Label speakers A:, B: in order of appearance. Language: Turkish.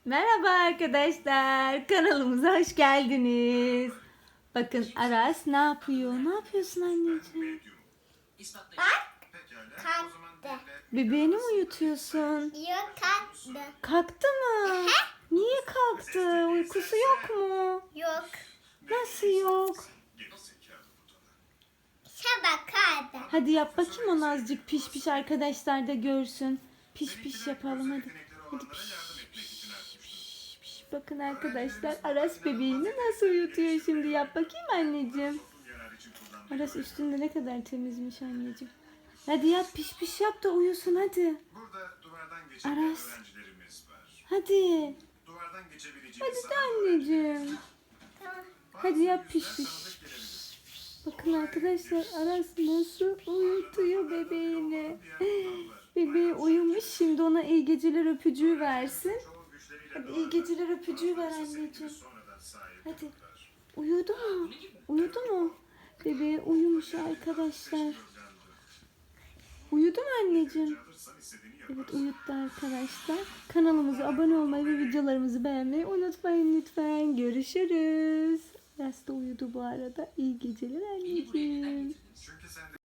A: Merhaba arkadaşlar. Kanalımıza hoş geldiniz. Bakın Aras ne yapıyor? Ne yapıyorsun anneciğim?
B: Bak, kalktı.
A: Bebeğini mi uyutuyorsun?
B: Yok, kalktı.
A: Kalktı mı? Niye kalktı? Uykusu yok mu?
B: Yok.
A: Nasıl yok?
B: Sabah kalktı.
A: Hadi yap bakayım onu azıcık piş piş arkadaşlar da görsün. Piş piş yapalım hadi. Hadi piş piş piş piş. Bakın arkadaşlar Aras bebeğini nasıl uyutuyor şimdi, yap bakayım anneciğim. Aras üstünde ne kadar temizmiş anneciğim. Hadi yap piş piş yap da uyusun hadi. Aras. Hadi. Hadi de anneciğim. Hadi yap piş piş. Bakın arkadaşlar Aras nasıl uyutuyor bebeğini. Bebeği uyumuş, şimdi ona iyi geceler öpücüğü versin. Hadi iyi geceler öpücüğü ver anneciğim. Hadi. Uyudu mu? Uyudu mu? Bebeği uyumuş arkadaşlar. Uyudu mu anneciğim? Evet, uyuttu arkadaşlar. Kanalımıza abone olmayı ve videolarımızı beğenmeyi unutmayın lütfen. Görüşürüz. Aras da uyudu bu arada. İyi geceler anneciğim.